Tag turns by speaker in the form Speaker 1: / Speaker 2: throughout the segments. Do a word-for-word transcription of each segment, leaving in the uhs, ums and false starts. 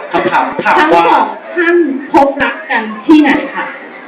Speaker 1: คำถามถาม
Speaker 2: ทั้ง
Speaker 1: ว่า
Speaker 2: สองท่านพบรักกันที่ไหนคะ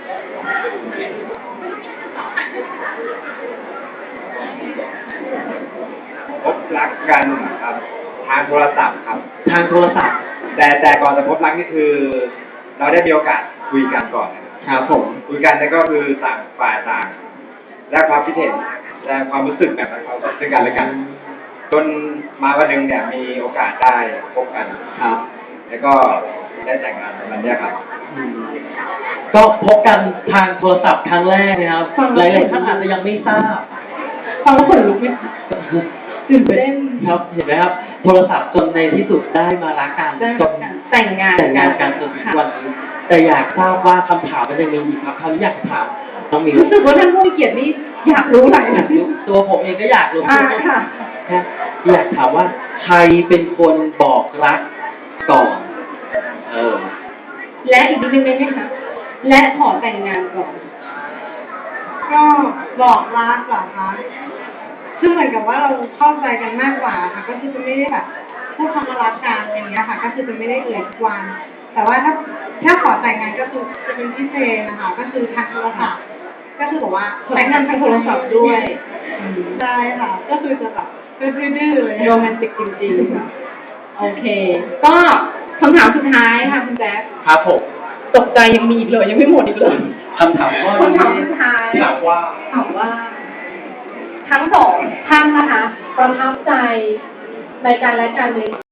Speaker 3: พบรักกันครับทางโทรศัพท์ครับ
Speaker 1: ทางโทรศัพท์
Speaker 3: แต่แต่ก่อนจะพบรักนี่คือ เราได้มีโอกาสคุยกันก่อนนะครับ
Speaker 1: ครับผม
Speaker 3: คุยกันแล้วก็คือต่างฝ่ายต่างแลกความคิดเห็นแลกความรู้สึกแบบเขาซึ่งกันและกันจนมาวันหนึ่งเนี่ยมีโอกาสได้พบกัน
Speaker 1: ครับ
Speaker 3: แล้วก็ได้แต่งงานในวันเนี้ยครับ
Speaker 1: อืมก็พบกันทางโทรศัพท์ครั้งแรกนะครับหลายๆท่านอาจจะยังไม่ทราบ
Speaker 2: ฟังแล้วขนลุกไหมคะตื่นเต้น
Speaker 1: ครับเห็นไหมครับ โทรศัพท์จนในที่สุดได้มารักกัน
Speaker 2: ได้
Speaker 1: จน
Speaker 2: แต่งงาน
Speaker 1: แต่งงานกันจนถึงวันนี้แต่อยากทราบว่าคำถามมันยังมีอีกครับคำอยากถามน้องมิว
Speaker 2: รู้สึกว่าท่านผู้มีเกียรตินี่อยากรู้หลายนะ
Speaker 1: ตัวผมเองก็อยากรู้
Speaker 2: อ่าค่ะ
Speaker 1: นะอยากถามว่าใครเป็นคนบอกรักก่อน เออ
Speaker 2: และอีกนิดนึงได้ไหมคะและขอแต่งงานก่อน
Speaker 4: ก็บอกรักเหรอคะคือเหมือนกับว่าเราเข้าใจกันมากกว่าค่ะ ก็คือจะไม่ได้แบบพูดคำว่ารักกันอย่างเงี้ยค่ะ ก็คือจะไม่ได้เอ่ยทุกวัน แต่ว่าถ้าถ้าขอแต่งงานก็คือจะเป็นพิเศษนะคะ ก็คือทางโทรศัพท์ก็คือบอกว่า
Speaker 2: แต่งงานทางโทรศัพท์ด้วย
Speaker 4: ใช่ค่ะ ก็คือจะแบบดื้อๆเลย
Speaker 2: โรแมนติกจริงๆ โอเค ก็คำถามสุดท้ายค่ะคุณแจ๊ค
Speaker 1: ครับผม
Speaker 2: ตกใจยังมีอีกเลยยังไม่หมดอีกเลย
Speaker 1: คำถามข้อ
Speaker 2: คำถาม
Speaker 1: นี้
Speaker 2: สุดท้าย
Speaker 1: ถามว่า
Speaker 2: ถามว่า ทั้งสองท่านนะคะประทับใจในการและกันใน